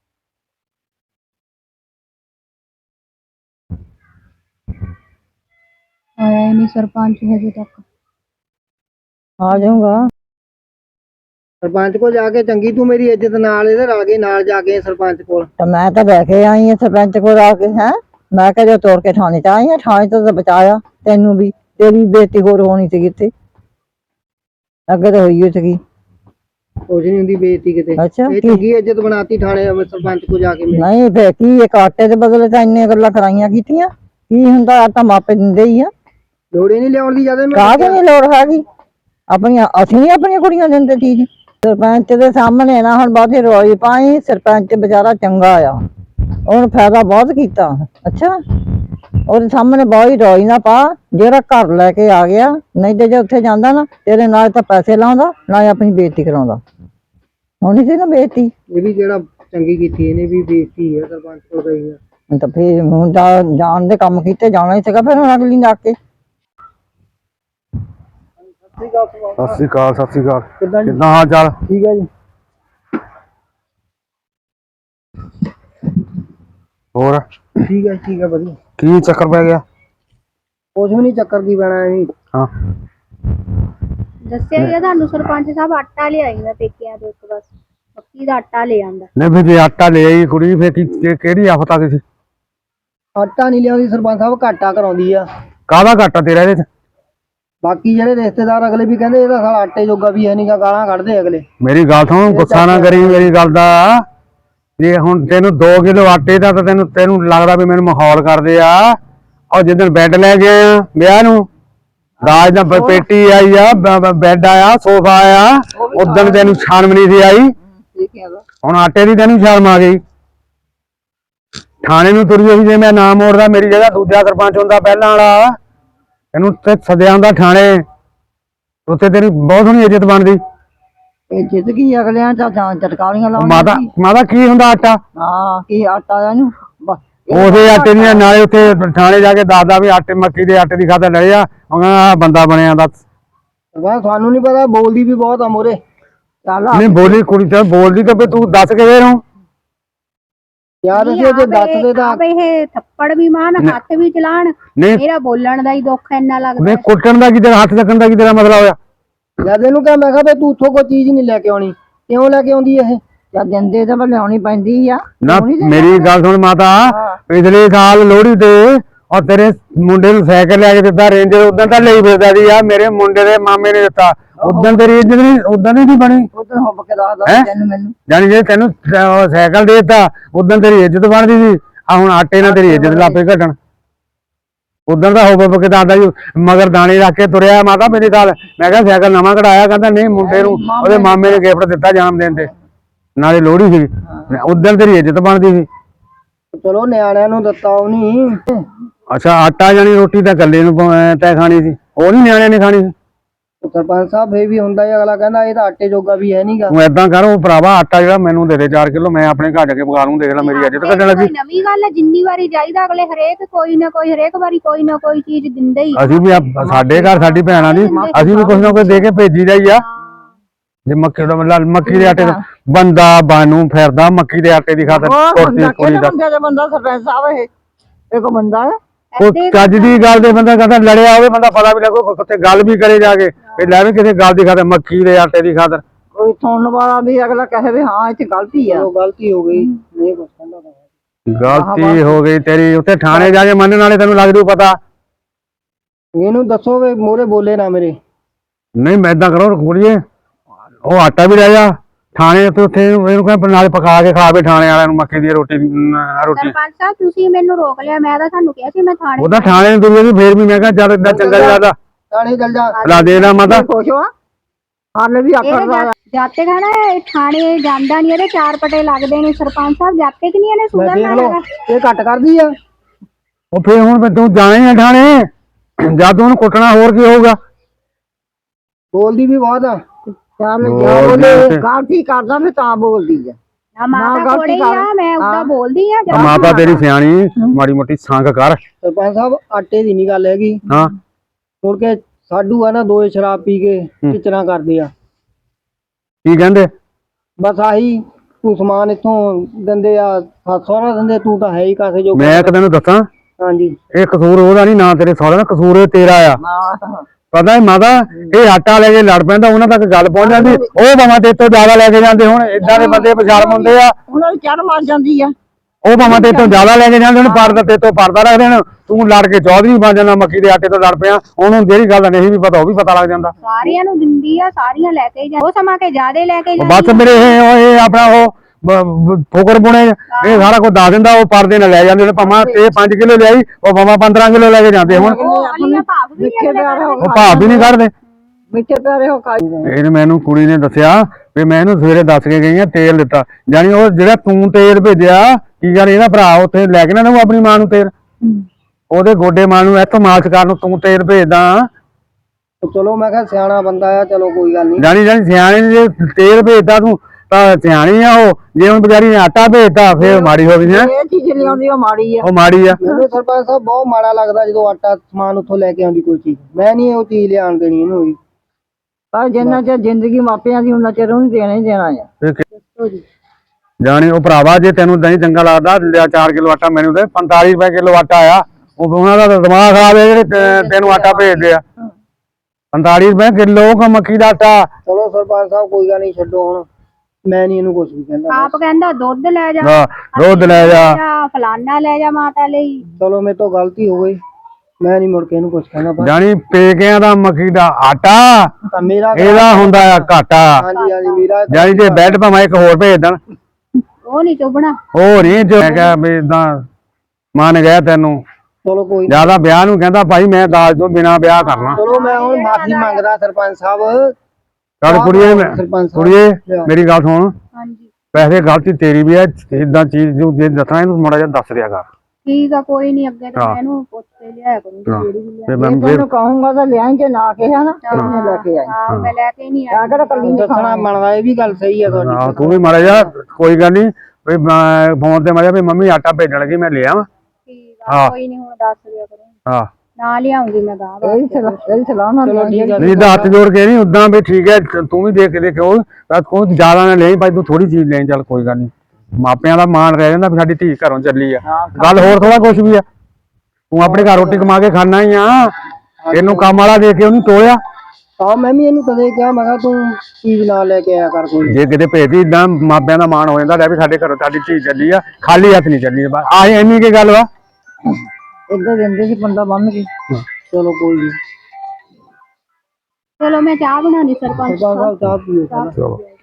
ਆਇਆ ਹੀ ਨਹੀਂ ਸਰਪੰਚ ਹਜੇ ਤੱਕ।
ਆ ਜਾਊਗਾ।
ਸਰਪੰਚ ਕੋਲ ਜਾ ਕੇ ਚੰਗੀ ਤੂੰ ਮੇਰੀ ਇੱਜ਼ਤ ਨਾਲ ਇਹਦੇ ਆ ਗਏ, ਨਾਲ ਜਾ ਕੇ ਸਰਪੰਚ ਕੋਲ।
ਤਾਂ ਮੈਂ ਤਾਂ ਲੈ ਕੇ ਆਈ ਆ ਸਰਪੰਚ ਕੋਲ ਆ ਕੇ। ਹੈ ਮੈਂ ਕਿਹਾ ਜੋ ਤੋੜ ਕੇ ਥਾਣੇ ਚ ਆਈ ਆ, ਥਾਣੇ ਤੋਂ ਤਾਂ ਬਚਾਇਆ ਤੈਨੂੰ ਵੀ। ਤੇਰੀ ਬੇਇੱਜ਼ਤੀ ਹੋਰ ਹੋਣੀ ਸੀਗੀ ਇੱਥੇ, ਅੱਗੇ ਤਾਂ ਹੋਈ ਓ ਸੀਗੀ।
ਕੁਝ ਨਹੀਂ ਹੁੰਦੀ ਬੇਇੱਜ਼ਤੀ ਕਿਤੇ।
ਅੱਛਾ
ਇਹ
ਕੀ?
ਚੰਗੀ ਇੱਜ਼ਤ ਬਣਾਤੀ ਥਾਣੇ ਸਰਪੰਚ ਕੋਲ ਜਾ ਕੇ ਮੇਰੀ।
ਨਹੀਂ ਫੇਰ ਕੀ, ਇੱਕ ਆਟੇ ਦੇ ਬਦਲੇ ਤਾਂ ਇੰਨੀਆਂ ਗੱਲਾਂ ਕਰਾਈਆਂ ਕੀਤੀਆਂ। ਕੀ ਹੁੰਦਾ? ਆਟਾ ਮਾਪੇ ਦਿੰਦੇ ਹੀ ਆ।
ਲੋੜ ਹੀ ਨਹੀਂ ਲਿਆਉਣ ਦੀ ਜਿਆਦਾ।
ਕਾਹਦੇ ਨਹੀਂ ਲੋੜ ਹੈਗੀ? ਆਪਣੀਆਂ ਅਸੀਂ ਨੀ ਆਪਣੀਆਂ ਕੁੜੀਆਂ ਦਿੰਦੇ ਚੀਜ਼। ਸਰਪੰਚ ਦੇ ਸਾਹਮਣੇ ਨਾ ਹੁਣ ਬਹੁਤੀ ਰੋਈ ਪਾਈ। ਸਰਪੰਚ ਵਿਚਾਰਾ ਚੰਗਾ ਆ, ਉਹਨੇ ਫਾਇਦਾ ਬਹੁਤ ਕੀਤਾ। ਅੱਛਾ ਉਹਦੇ ਸਾਹਮਣੇ ਬਹੁਤ ਰੋਈ ਨਾ ਪਾ, ਜਿਹੜਾ ਘਰ ਲੈ ਕੇ ਆ ਗਿਆ। ਨਹੀਂ ਤੇ ਜੇ ਉੱਥੇ ਜਾਂਦਾ ਨਾ, ਤੇਰੇ ਨਾਲ ਤਾਂ ਪੈਸੇ ਲਾਉਂਦਾ, ਨਾ ਆਪਣੀ ਬੇਇੱਜ਼ਤੀ ਕਰਾਉਂਦਾ। ਹੋਣੀ ਸੀ ਨਾ ਬੇਇੱਜ਼ਤੀ।
ਇਹ ਵੀ ਜਿਹੜਾ ਚੰਗੀ ਕੀਤੀ ਇਹਨੇ ਵੀ ਬੇਇੱਜ਼ਤੀ ਹੈ ਸਰਪੰਚ ਕੋਲ ਗਈ ਹੈ।
ਤਾਂ ਫਿਰ ਹੁਣ ਜਾਣ ਦੇ ਕੰਮ ਕੀਤੇ, ਜਾਣਾ ਹੀ ਸੀਗਾ ਫਿਰ ਹੁਣ ਅਗਲੀ ਨੇ ਆ ਕੇ।
ਸਤਿ ਸ੍ਰੀ ਅਕਾਲ। ਸਤਿ ਸ੍ਰੀ ਅਕਾਲ।
ਕਿੱਦਾਂ ਜੀ?
ਕਿੱਦਾਂ ਹਾਲ ਚਾਲ?
ਠੀਕ ਹੈ ਜੀ।
ਹੋਰ
ਠੀਕ ਹੈ ਠੀਕ ਹੈ, ਵਧੀਆ।
ਕੀ ਚੱਕਰ ਪੈ ਗਿਆ?
ਕੁਝ ਵੀ ਨਹੀਂ ਚੱਕਰ ਕੀ ਪੈਣਾ ਐਵੇਂ।
ਹਾਂ
ਦੱਸਿਆ ਹੀ ਆ ਤੁਹਾਨੂੰ ਸਰਪੰਚ ਸਾਹਿਬ, ਆਟਾ ਲਿਆਈ ਮੈਂ ਪੇਕਿਆਂ ਤੋਂ ਇੱਕ ਬਸ ਮੱਕੀ ਦਾ ਆਟਾ ਲੈ ਆਂਦਾ।
ਨਹੀਂ ਫਿਰ ਜੇ ਆਟਾ ਲੈ ਆਈ ਕੁੜੀ ਫਿਰ ਕੀ ਕਿ- ਕਿਹੜੀ ਆਫਤ ਆ ਗਈ ਸੀ?
ਆਟਾ ਨਹੀਂ ਲਿਆਉਂਦੀ ਸਰਪੰਚ ਸਾਹਿਬ, ਘਾਟਾ ਕਰਾਉਂਦੀ ਆ।
ਕਾਹਦਾ ਘਾਟਾ ਤੇਰਾ ਇਹਦੇ ਚ?
ਬਾਕੀ ਜਿਹੜੇ ਰਿਸ਼ਤੇਦਾਰ ਅਗਲੇ ਵੀ ਕਹਿੰਦੇ ਇਹਦਾ ਸਾਲਾ ਆਟੇ ਜੋਗਾ ਵੀ ਹੈ ਨਹੀਂਗਾ, ਗਾਲਾਂ ਕੱਢਦੇ ਅਗਲੇ।
ਮੇਰੀ ਗੱਲ ਸੁਣ, ਗੁੱਸਾ ਨਾ ਕਰੀ ਮੇਰੀ ਗੱਲ ਦਾ। ਜੇ ਹੁਣ ਤੈਨੂੰ ਦੋ ਕਿਲੋ ਆਟੇ ਦਾ ਤਾਂ ਤੈਨੂੰ ਤੈਨੂੰ ਲੱਗਦਾ ਵੀ ਮੈਨੂੰ ਮਾਹੌਲ ਕਰਦੇ ਆ। ਔਰ ਜਿੱਦਣ ਬੈੱਡ ਲੈ ਕੇ ਆਇਆ ਵਿਆਹ ਨੂੰ, ਦਾਜ ਦਾ ਪ- ਪੇਟੀ ਆਈ ਆ, ਬ- ਬ- ਬੈੱਡ ਆਇਆ, ਸੋਫਾ ਆਇਆ, ਉਦੋਂ ਤੈਨੂੰ ਸ਼ਰਮ ਨਹੀਂ ਸੀ ਆਈ। ਹੁਣ ਆਟੇ ਦੀ ਤੈਨੂੰ ਸ਼ਰਮ ਆ ਗਈ। ਥਾਣੇ ਨੂੰ ਤੁਰੀ ਹੋਈ, ਜੇ ਮੈਂ ਨਾ ਮੋੜਦਾ ਮੇਰੀ ਜਗ੍ਹਾ ਦੂਜਾ ਸਰਪੰਚ ਹੁੰਦਾ ਪਹਿਲਾਂ ਵਾਲਾ, ਇਹਨੂੰ ਤੇ ਸੱਦਿਆ ਹੁੰਦਾ ਥਾਣੇ, ਉੱਥੇ ਤੇਰੀ ਬਹੁਤ ਸੋਹਣੀ ਇੱਜ਼ਤ ਬਣਦੀ।
ਇਹ ਜਿੱਤ ਗਈ ਅਗਲਿਆਂ ਚ ਜਾਂ ਚਟਕਾਰੀਆਂ ਲਾਉਣ
ਮਾਤਾ ਮਾਤਾ ਕੀ ਹੁੰਦਾ ਆਟਾ?
ਹਾਂ ਕੀ ਆਟਾ ਆ ਨੂੰ
ਉਹਦੇ ਆਟੇ ਦੀਆਂ ਨਾਲੇ ਉੱਥੇ ਥਾਣੇ ਜਾ ਕੇ ਦੱਸਦਾ ਵੀ ਆਟੇ ਮੱਕੀ ਦੇ ਆਟੇ ਦੀ ਖਾਤਰ ਲੜਿਆ, ਉਹਨਾਂ ਬੰਦਾ ਬਣਿਆ ਦੱਸ।
ਸਰਪੰਚ ਤੁਹਾਨੂੰ ਨਹੀਂ ਪਤਾ, ਬੋਲਦੀ ਵੀ ਬਹੁਤ ਆ ਮੋਰੇ।
ਚੱਲ
ਨਹੀਂ ਬੋਲੀ ਕੁੜੀ ਤੇ ਬੋਲਦੀ ਤਾਂ ਫਿਰ ਤੂੰ ਦੱਸ ਕੇ ਰਹੂੰ।
ਯਾਰ ਅਸੀਂ ਜੇ ਦੱਸਦੇ ਤਾਂ
ਆਪ ਇਹ ਥੱਪੜ ਵੀ ਮਾਰਨ, ਹੱਥ ਵੀ ਚਲਾਣ,
ਨਹੀਂ
ਮੇਰਾ ਬੋਲਣ ਦਾ ਹੀ ਦੁੱਖ ਇੰਨਾ ਲੱਗਦਾ।
ਨਹੀਂ ਕੁੱਟਣ ਦਾ ਕੀ ਤੇਰਾ, ਹੱਥ ਚੱਕਣ ਦਾ ਕੀ ਤੇਰਾ ਮਸਲਾ ਹੋਇਆ?
ਜਦ ਇਹਨੂੰ ਕਿਹਾ, ਮੈਂ ਕਿਹਾ ਵੀ ਤੂੰ ਉੱਥੋਂ ਕੋਈ ਚੀਜ਼ ਨਹੀਂ ਲੈ ਕੇ ਆਉਣੀ, ਕਿਉਂ ਲੈ ਕੇ ਆਉਂਦੀ ਇਹ?
ਜਦ ਦਿੰਦੇ ਤਾਂ ਲਿਆਉਣੀ ਪੈਂਦੀ ਆ।
ਨਾ ਮੇਰੀ ਗੱਲ ਸੁਣ ਮਾਤਾ, ਪਿਛਲੇ ਸਾਲ ਲੋਹੜੀ ਤੇ ਔਰ ਤੇਰੇ ਮੁੰਡੇ ਨੂੰ ਸਾਈਕਲ ਲੈ ਕੇ ਦਿੱਤਾ ਰੇਂਜਰ, ਉਦੋਂ ਤਾਂ ਲਈ ਫਿਰਦਾ ਸੀ ਆ, ਮੇਰੇ ਮੁੰਡੇ ਦੇ ਮਾਮੇ ਨੇ ਦਿੱਤਾ, ਉਦੋਂ ਤੇਰੀ ਇੱਜ਼ਤ ਨਹੀਂ, ਉਦੋਂ ਨਹੀਂ ਬਣੀ।
ਉਦੋਂ ਹੁੱਬ ਕੇ ਦੱਸਦਾ
ਹੈਂ?
ਤੈਨੂੰ ਮੈਨੂੰ
ਜਾਨੀ ਜੇ ਤੈਨੂੰ ਸ- ਸਾਈਕਲ ਦੇ ਦਿੱਤਾ, ਉਦੋਂ ਤੇਰੀ ਇੱਜ਼ਤ ਬਣਦੀ ਸੀ। ਆ ਹੁਣ ਆਟੇ ਨਾਲ ਤੇਰੀ ਇੱਜ਼ਤ ਲਾਪੇ ਘਟਣ। ਉਦੋਂ ਦਾ ਹੋ ਬੱਬ ਕੇ ਦੱਸਦਾ ਜੀ, ਮਗਰ ਦਾਣੇ ਰੱਖ ਕੇ ਤੁਰਿਆ ਮਾਤਾ ਮੇਰੇ ਨਾਲ। ਮੈਂ ਕਿਹਾ ਸਾਈਕਲ ਨਵਾਂ ਕਢਾਇਆ, ਕਹਿੰਦਾ ਨਹੀਂ ਮੁੰਡੇ ਨੂੰ ਉਹਦੇ ਮਾਮੇ ਨੇ ਗਿਫਟ ਦਿੱਤਾ ਜਨਮ ਦਿਨ ਤੇ, ਨਾਲੇ ਲੋਹੜੀ ਸੀ। ਉਦੋਂ ਤੇਰੀ ਇੱਜ਼ਤ ਬਣਦੀ ਸੀ।
ਚਲੋ ਨਿਆਣਿਆਂ ਨੂੰ ਦਿੱਤਾ ਉਹ ਨਹੀਂ।
ਅੱਛਾ ਆਟਾ ਜਾਨੀ ਰੋਟੀ ਤਾਂ ਇਕੱਲੇ ਨੂੰ ਪ- ਤੈਂ ਖਾਣੀ ਸੀ, ਉਹ ਨਹੀਂ ਨਿਆਣਿਆਂ ਨੇ ਖਾਣੀ ਸੀ।
ਸਰਪੰਚ ਸਾਹਿਬ ਇਹ ਵੀ ਹੁੰਦਾ ਹੀ, ਅਗਲਾ ਕਹਿੰਦਾ ਇਹ ਤਾਂ ਆਟੇ ਜੋਗਾ ਵੀ ਹੈ ਨਹੀਂਗਾ।
ਤੂੰ ਏਦਾਂ ਕਰ, ਉਹ ਭਰਾਵਾ ਆਟਾ ਜਿਹੜਾ ਮੈਨੂੰ ਦੇ ਦੇ ਚਾਰ ਕਿਲੋ, ਮੈਂ ਆਪਣੇ ਘਰ ਜਾ ਕੇ ਪਕਾ ਲੂੰ। ਦੇਖ ਲੈ ਮੇਰੀ ਇੱਜ਼ਤ ਕੱਢਣ ਲੱਗੀ।
ਨਵੀਂ ਗੱਲ ਹੈ, ਜਿੰਨੀ ਵਾਰੀ ਜਾਈਦਾ ਅਗਲੇ ਹਰੇਕ ਕੋਈ ਨਾ ਕੋਈ, ਹਰੇਕ ਵਾਰੀ ਕੋਈ ਨਾ ਕੋਈ ਚੀਜ਼ ਦਿੰਦੇ ਹੀ।
ਅਸੀਂ ਵੀ ਆਪ- ਸਾਡੇ ਘਰ ਸਾਡੀ ਭੈਣਾਂ ਦੀ ਅਸੀਂ ਵੀ ਕੁਛ ਨਾ ਕੁਛ ਦੇ ਕੇ ਭੇਜੀ ਦਾ ਹੀ ਆ। ਜੇ ਮੱਕੀ ਦਾ ਮਤਲਬ ਮੱਕੀ ਦੇ ਆਟੇ ਦਾ ਬੰਦਾ ਬਾਨੂ ਫਿਰਦਾ, ਮੱਕੀ ਦੇ ਆਟੇ ਦੀ ਖਾਤਰ
ਉਹ
ਕੁਰਤੀ
ਬੰਦਾ
ਕੁੜੀ
ਕਿਹੜਾ
ਦਾ
ਬੰਦਾ ਦਾ ਬੰਦਾ ਸਰਪੰਚ ਸਾਹਿਬ ਇਹ ਇੱਕ ਬੰਦਾ ਹੈ।
ਉਹ ਚੱਜ ਦੀ ਗੱਲ ਦੇ ਬੰਦਾ ਕਹਿੰਦਾ ਲੜਿਆ ਹੋਵੇ, ਬੰਦਾ ਪਤਾ ਵੀ ਲੱਗੋ ਕਿਤੇ ਗੱਲ ਵੀ ਕਰੇ ਜਾ ਕੇ ਵੀ ਲੈ ਵੀ ਕਿਸੇ ਗੱਲ ਦੀ ਖਾਤਰ, ਮੱਕੀ ਦੇ ਆਟੇ ਦੀ ਖਾਤਰ।
ਕੋਈ ਸੁਣਨ ਵਾਲਾ ਵੀ ਅਗਲਾ ਕਹੇ ਵੀ ਹਾਂ ਇਹ ਚ ਗਲਤੀ ਆ।
ਉਹ ਗਲਤੀ ਹੋ ਗਈ, ਨਹੀਂ ਕੁਛ ਕਹਿੰਦਾ ਤਾਂ।
ਗਲਤੀ ਹੋ ਗਈ ਤੇਰੀ, ਉੱਥੇ ਥਾਣੇ ਜਾ ਕੇ ਮੰਨਣ ਵਾਲੇ ਤੈਨੂੰ ਲੱਗ ਜੂ ਪਤਾ।
ਇਹਨੂੰ ਦੱਸੋ ਵੀ ਮੋਰੇ ਬੋਲੇ ਨਾ ਮੇਰੇ।
ਨਹੀਂ ਮੈਂ ਏਦਾਂ ਕਰੋ ਕੁੜੀਏ, ਉਹ ਆਟਾ ਵੀ ਲੈ ਜਾ ਥਾਣੇ ਤੇ, ਉੱਥੇ ਇਹਨੂੰ ਕਹਿੰਦਾ ਨਾਲੇ ਪਕਾ ਕੇ ਖਾ, ਵੀ ਥਾਣੇ ਵਾਲਿਆਂ ਨੂੰ ਮੱਕੀ ਦੀ ਰੋਟੀ ਅਮ, ਰੋਟੀ।
ਸਰਪੰਚ ਸਾਹਿਬ ਤੁਸੀਂ ਮੈਨੂੰ ਰੋਕ ਲਿਆ, ਮੈਂ ਤਾਂ ਤੁਹਾਨੂੰ ਕਿਹਾ ਸੀ ਮੈਂ ਥਾਣੇ
ਉਹਦਾ ਥਾਣੇ ਨੂੰ ਤੁਰੀ ਸੀ, ਫੇਰ ਵੀ ਮੈਂ ਕਿਹਾ ਚੱਲ ਏਦਾਂ ਚੰਗਾ ਨੀ ਲੱਗਦਾ,
ਥਾਣੇ ਚੱਲ ਜਾ।
ਲਾ ਦੇ ਨਾ ਮਾਤਾ।
ਖੁਸ਼ ਹੋ ਹਾਲੇ ਵੀ ਆਖਰਦਾ
ਜਾਤੇ ਖਾਣਾ ਇਹ ਥਾਣੇ ਜਾਂਦਾ ਨਹੀਂ, ਇਹਦੇ ਚਾਰ ਪਟੇ ਲੱਗਦੇ ਨੇ ਸਰਪੰਚ ਸਾਹਿਬ, ਜਾਤੇ ਕਿ ਨਹੀਂ ਇਹਨੇ
ਮੈਂ
ਸੁਧਰਨਾ
ਦੇਖ ਲਓ
ਹੈਗਾ।
ਇਹ ਘੱਟ ਕਰਦੀ ਆ।
ਉਹ ਫੇਰ ਹੁਣ ਫਿਰ ਤੂੰ ਜਾਣਾ ਹੀ ਆ ਥਾਣੇ, ਜਦ ਉਹਨੂੰ ਕੁੱਟਣਾ ਹੋਰ ਕੀ ਹੋਊਗਾ।
ਬੋਲਦੀ ਵੀ ਬਹੁਤ ਆ।
ਚੱਲ
ਉਹ
ਜਾ ਬੋਲੇ
ਤੇ-
ਗਲਤੀ ਕਰਦਾ ਫਿਰ ਤਾਂ ਬੋਲਦੀ ਆ।
ਨਾ ਮਾਤਾ
ਗਲਤੀ
ਕੋਲੇ ਹੀ
ਕਰ।
ਆ, ਮੈਂ ਉਦਾਂ ਬੋਲਦੀ ਆ।
ਆ ਮਾਤਾ ਤੇਰੀ ਸਿਆਣੀ, ਮਾੜੀ ਮੋਟੀ ਸੰਗ ਕਰ।
ਸਰਪੰਚ ਸਾਹਿਬ ਆਟੇ ਦੀ ਨਹੀਂ ਗੱਲ ਹੈਗੀ,
ਹਾਂ
ਮੁੜ ਕੇ ਸਾਡੂ ਆ ਨਾ ਦੋਏ ਸ਼ਰਾਬ ਪੀ ਕੇ ਕਿਚਰਾਂ ਕਰਦੇ ਆ।
ਕੀ ਕਹਿੰਦੇ?
ਬਸ ਆਹੀ ਤੂੰ ਸਮਾਨ ਇੱਥੋਂ ਦਿੰਦੇ ਆ, ਸੱਤ ਸੌ ਦਿੰਦੇ, ਤੂੰ ਤਾਂ ਹੈ ਹੀ ਕਾਸੇ ਜੋ।
ਮੈਂ ਇੱਕ ਤੈਨੂੰ ਦੱਸਾਂ,
ਹਾਂਜੀ
ਇਹ ਕਸੂਰ ਉਹਦਾ ਨਹੀਂ, ਨਾ ਤੇਰੇ ਸਹੁਰੇ ਦਾ ਕਸੂਰ, ਇਹ ਤੇਰਾ ਆ। ਪਤਾ ਹੈ ਮਾਤਾ, ਇਹ ਆਟਾ ਲੈ ਕੇ ਲੜ ਪੈਂਦਾ, ਉਹਨਾਂ ਤੱਕ ਗੱਲ ਪਹੁੰਚ ਜਾਂਦੀ, ਉਹ ਭਾਵੇਂ ਤੇਰੇ ਤੋਂ ਜ਼ਿਆਦਾ ਲੈ ਕੇ ਜਾਂਦੇ। ਹੁਣ ਏਦਾਂ ਦੇ ਬੰਦੇ ਪਛਾਣ ਹੁੰਦੇ ਆ,
ਉਹਨਾਂ ਦੀ ਚੜ ਮਾਰ ਜਾਂਦੀ ਆ।
ਉਹ ਭਾਵੇਂ ਤੇਰੇ ਤੋਂ ਜ਼ਿਆਦਾ ਲੈ ਕੇ ਜਾਂਦੇ, ਉਹਨੂੰ ਪਰਦਾ ਤੇਰੇ ਤੋਂ ਪਰਦਾ ਰੱਖਦੇ ਨੇ, ਤੂੰ ਲੜ ਕੇ ਚੌਧਰੀ ਬਣ ਜਾਂਦਾ, ਮੱਕੀ ਦੇ ਆਟੇ ਤੋਂ ਲੜ ਪਿਆ। ਉਹਨੂੰ ਜਿਹੜੀ ਗੱਲ ਨਹੀਂ ਵੀ ਪਤਾ ਉਹ ਵੀ ਪਤਾ ਲੱਗ ਜਾਂਦਾ।
ਸਾਰਿਆਂ ਨੂੰ ਦਿੰਦੀ ਆ, ਸਾਰੀਆਂ ਲੈ ਕੇ ਜਾ, ਉਹ ਸਮਾਂ ਕੇ ਜ਼ਿਆਦੇ ਲੈ ਕੇ
ਬਸ
ਜਾਂਦੀ।
ਮੇਰੇ ਇਹ ਉਹ ਇਹ ਆਪਣਾ ਉਹ ਫੋਕਰ ਬੁਣੇ, ਇਹ ਸਾਰਾ ਕੁਝ ਦੱਸ ਦਿੰਦਾ, ਉਹ ਪਰਦੇ ਨਾਲ ਲੈ ਜਾਂਦੇ ਨੇ। ਭਾਵੇਂ ਇਹ ਪੰਜ ਕਿਲੋ ਲਿਆਈ, ਉਹ ਭਾਵੇਂ ਪੰਦਰਾਂ ਕਿਲੋ ਲੈ ਕੇ ਜਾਂਦੇ। ਹੁਣ
ਉਹ ਅਗਲੀਆਂ ਭਾਵ ਵੀ
ਮਿੱਠੇ ਪਿਆਰੇ ਹੋ
ਉਹ ਭਾਵ ਵੀ ਨਹੀਂ ਕੱਢਦੇ।
ਮਿੱਠੇ ਪਿਆਰੇ ਹੋ ਖਾਈ
ਇਹਨੇ ਮੈਨੂੰ ਕੁੜੀ ਨੇ ਦੱਸਿਆ ਵੀ ਮੈਂ ਇਹਨੂੰ ਸਵੇਰੇ ਦੱਸ ਕੇ ਗਈ ਆ, ਤੇਲ ਦਿੱਤਾ। ਜਾਨੀ ਉਹ ਜਿਹੜਾ ਤੂੰ ਤੇਲ ਭੇਜਿਆ, ਕੀ ਗੱਲ ਇਹਦਾ ਭਰਾ ਉੱਥੇ ਲੈ ਕੇ ਨਾ ਦਊ ਆਪਣੀ ਮਾਂ ਨੂੰ ਤੇਲ, ਉਹਦੇ ਗੋਡੇ ਮਾਂ ਨੂੰ ਇੱਥੋਂ ਮਾਲਸ਼ ਕਰਨ ਨੂੰ ਤੂੰ ਤੇਲ ਭੇਜਦਾ।
ਚਲੋ ਮੈਂ ਕਿਹਾ ਸਿਆਣਾ ਬੰਦਾ ਆ, ਚਲੋ ਕੋਈ ਗੱਲ ਨਹੀਂ।
ਜਾਨੀ ਜਾਨੀ ਸਿਆਣੇ ਨੇ ਜੇ ਤੇਲ ਭੇਜਦਾ ਤੂੰ ਤਾਂ ਸਿਆਣੀ ਆ ਉਹ, ਜੇ ਹੁਣ ਵਿਚਾਰੀ ਨੇ ਆਟਾ ਭੇਜਦਾ ਫੇਰ ਮਾੜੀ ਹੋ ਗਈ ਹੈ।
ਇਹ ਚੀਜ਼ ਲਿਆਉਂਦੀ ਉਹ ਮਾੜੀ ਆ।
ਉਹ ਮਾੜੀ ਆ।
ਮੈਨੂੰ ਸਰਪੰਚ ਸਾਹਿਬ ਬਹੁਤ ਮਾੜਾ ਲੱਗਦਾ ਜਦੋਂ ਆਟਾ ਸਮਾਨ ਉੱਥੋਂ ਲੈ ਕੇ ਆਉਂਦੀ ਕੋਈ ਚੀਜ਼। ਮੈਂ ਨਹੀਂ ਉਹ ਚੀਜ਼ ਲਿਆਉਣ ਦੇਣੀ ਇਹਨੂੰ ਵੀ।
ਪਰ ਜਿੰਨਾ ਚਿਰ ਜ਼ਿੰਦਗੀ ਮਾਪਿਆਂ ਦੀ ਉਹਨਾਂ ਚਿਰ ਉਹਨੂੰ ਦੇਣਾ ਹੀ ਦੇਣਾ ਆ।
ਜਾਣੀ ਉਹ ਭਰਾਵਾ, ਜੇ ਤੈਨੂੰ ਨਹੀਂ ਚੰਗਾ ਲੱਗਦਾ, ਲਿਆ ਚਾਰ ਕਿਲੋ ਆਟਾ ਮੈਨੂੰ ਦੇ। ਪੰਤਾਲੀ ਰੁਪਏ ਕਿਲੋ ਆਟਾ ਆ, ਉਹ ਉਹਨਾਂ ਦਾ ਦਿਮਾਗ ਖਰਾਬ ਹੈ ਜਿਹੜੇ ਤੈਨੂੰ ਆਟਾ ਭੇਜਦੇ ਆ। ਪੰਤਾਲੀ ਰੁਪਏ ਕਿਲੋ ਕ ਮੱਕੀ ਦਾ ਆਟਾ।
ਚਲੋ ਸਰਪੰਚ ਸਾਹਿਬ ਕੋਈ ਗੱਲ ਨਹੀਂ, ਛੱਡੋ ਹੁਣ, ਮੈਂ ਨਹੀਂ ਇਹਨੂੰ ਕੁਝ ਵੀ ਕਹਿੰਦਾ।
ਆਪ ਕਹਿੰਦਾ ਦੁੱਧ ਲੈ ਜਾ,
ਹਾਂ, ਦੁੱਧ ਲੈ ਜਾ।
ਫਲਾਨਾ ਲੈ ਜਾ ਮਾਤਾ ਲਈ।
ਚਲੋ ਮੇਰੇ ਤੋਂ ਗਲਤੀ ਹੋ ਗਈ, ਮੈਂ ਨਹੀਂ ਮੁੜ ਕੇ ਇਹਨੂੰ ਕੁਝ ਕਹਿੰਦਾ। ਬਸ
ਜਾਨੀ ਪੇਕਿਆਂ ਦਾ ਮੱਕੀ ਦਾ ਆਟਾ
ਤਾਂ ਮੇਰਾ
ਇਹਦਾ ਹੁੰਦਾ ਆ ਘਾਟਾ।
ਹਾਂਜੀ ਹਾਂਜੀ ਮੇਰਾ
ਜਾਨੀ ਜੇ ਬੈੱਡ ਭਾਵੇਂ ਇੱਕ ਹੋਰ ਭੇਜ ਦੇਣ
ਉਹ ਨਹੀਂ ਚੁਬਣਾ।
ਉਹ ਨਹੀਂ ਜੋ ਮੈਂ ਕਿਹਾ ਵੀ ਇਦਾਂ ਮੰਨ ਗਿਆ ਤੈਨੂੰ।
ਚਲੋ ਕੋਈ
ਜਿਆਦਾ ਵਿਆਹ ਨੂੰ ਕਹਿੰਦਾ ਭਾਈ ਮੈਂ ਦਾਜ ਤੋਂ ਬਿਨਾ ਵਿਆਹ ਕਰਨਾ।
ਚਲੋ ਮੈਂ ਹੁਣ ਮਾਫੀ ਮੰਗਦਾ ਸਰਪੰਚ ਸਾਹਿਬ।
ਚੱਲ ਕੁੜੀਏ
ਸਰਪੰਚ ਸਾਹਿਬ
ਕੁੜੀਏ ਮੇਰੀ ਗੱਲ ਸੁਣ,
ਹਾਂਜੀ
ਵੈਸੇ ਗਲਤੀ ਤੇਰੀ ਵੀ ਹੈ, ਇਦਾਂ ਚੀਜ਼ ਨੂੰ ਜੇ ਦੱਸਣਾ ਇਹਨੂੰ ਮਾੜਾ ਜਿਹਾ ਦੱਸ ਦਿਆ ਕਰ।
ਠੀਕ ਆ, ਕੋਈ ਨਹੀਂ, ਅੱਗੇ ਤੋਂ
ਹਾਂ।
ਮੈਂ ਇਹਨੂੰ ਪੁੱਛ ਕੇ ਲਿਆਇਆ ਕਰੂੰਗੀ ਜਿਹੜੀ ਵੀ ਲਿਆ।
ਤੇ ਮੈਂ
ਜੇ ਤੈਨੂੰ ਕਹੂੰਗਾ ਤਾਂ ਲਿਆਈ, ਜੇ ਨਾ ਕਿਹਾ ਨਾ ਮੈਂ ਲੈ ਕੇ ਆਈ।
ਹਾਂ ਮੈਂ ਲੈ ਕੇ ਨਹੀਂ
ਆ
ਆਈ।
ਕਿਹੜਾ ਕੱਲੀ ਨਹੀਂ
ਦੱਸਣਾ ਬਣਦਾ, ਇਹ ਵੀ ਗੱਲ ਸਹੀ ਹੈ
ਹਾਂ
ਤੁਹਾਡੀ।
ਤੂੰ ਵੀ ਮਾੜਾ ਜਿਹਾ ਕੋਈ ਗੱਲ ਨਹੀਂ ਵੀ ਮੈਂ ਫੋਨ ਤੇ ਮਾੜਾ ਵੀ ਮੰਮੀ ਆਟਾ ਭੇਜਣ ਲੱਗੀ ਮੈਂ ਲਿਆ ਵਾ।
ਠੀਕ ਆ, ਕੋਈ ਨਹੀਂ, ਹੁਣ ਦੱਸ ਦਿਆ ਕਰੂੰਗੀ,
ਹਾਂ
ਨਾ ਲਿਆਉਂਗੀ ਮੈਂ ਗਾਂ
ਇਹ ਵੀ ਸਲਾਹ ਇਹ ਵੀ ਸਲਾਹ ਨਾਲ
ਚਲੋ ਠੀਕ ਹੈ।
ਨਹੀਂ ਤਾਂ ਹੱਥ ਜੋੜ ਕੇ ਨਹੀਂ ਉਦਾਂ ਵੀ ਠੀਕ ਹੈ, ਤੂੰ ਵੀ ਦੇਖ ਕੇ ਦੇਖੋ ਤਾਂ ਕੋਈ ਜ਼ਿਆਦਾ ਨਾ ਲੈ ਭਾਈ, ਤੂੰ ਥੋੜੀ ਚੀਜ਼ ਲੈ ਚੱਲ ਕੋਈ ਗੱਲ ਨਹੀਂ। ਮਾਪਿਆਂ ਦਾ ਮਾਣ ਰਹਿ ਜਾਂਦਾ ਵੀ ਸਾਡੀ ਧੀ ਘਰੋਂ ਚੱਲੀ ਆ। ਗੱਲ ਹੋਰ ਥੋੜਾ ਕੁਝ ਵੀ ਆ, ਤੂੰ ਆਪਣੇ ਘਰ ਰੋਟੀ ਕਮਾ ਕੇ ਖਾਣਾ ਹੀ ਆ, ਇਹਨੂੰ ਕੰਮ ਵਾਲਾ ਦੇ ਕੇ ਉਹਨੂੰ ਤੋਲਿਆ।
ਹਾਂ ਮੈਂ ਵੀ ਇਹਨੂੰ ਕਦੇ ਕਿਹਾ, ਮੈਂ ਕਿਹਾ ਤੂੰ ਚੀਜ਼ ਨਾਲ ਲੈ ਕੇ ਆਇਆ ਕਰ ਕੋਈ।
ਜੇ ਕਿਤੇ ਭੇਜਦੀ ਇਦਾਂ ਮਾਪਿਆਂ ਦਾ ਮਾਣ ਹੋ ਜਾਂਦਾ ਲੈ ਵੀ ਸਾਡੇ ਘਰੋਂ ਸਾਡੀ ਧੀ ਚੱਲੀ ਆ, ਖਾਲੀ ਹੱਥ ਨਹੀਂ ਚੱਲੀ। ਆਹ ਇੰਨੀ ਕੀ ਗੱਲ ਵਾ।
ਇੱਦਾਂ ਦਿੰਦੇ ਸੀ ਬੰਦਾ ਬੰਨ ਕੇ।
ਚਲੋ ਕੋਈ ਨਹੀਂ,
ਚਲੋ ਮੈਂ ਚਾਹ ਬਣਾਉਣੀ ਸਰਪੰਚ
ਸਰਪੰਚ ਸਾਹਿਬ ਚਾਹ ਪੀਓ ਪਹਿਲਾਂ।
ਚਲੋ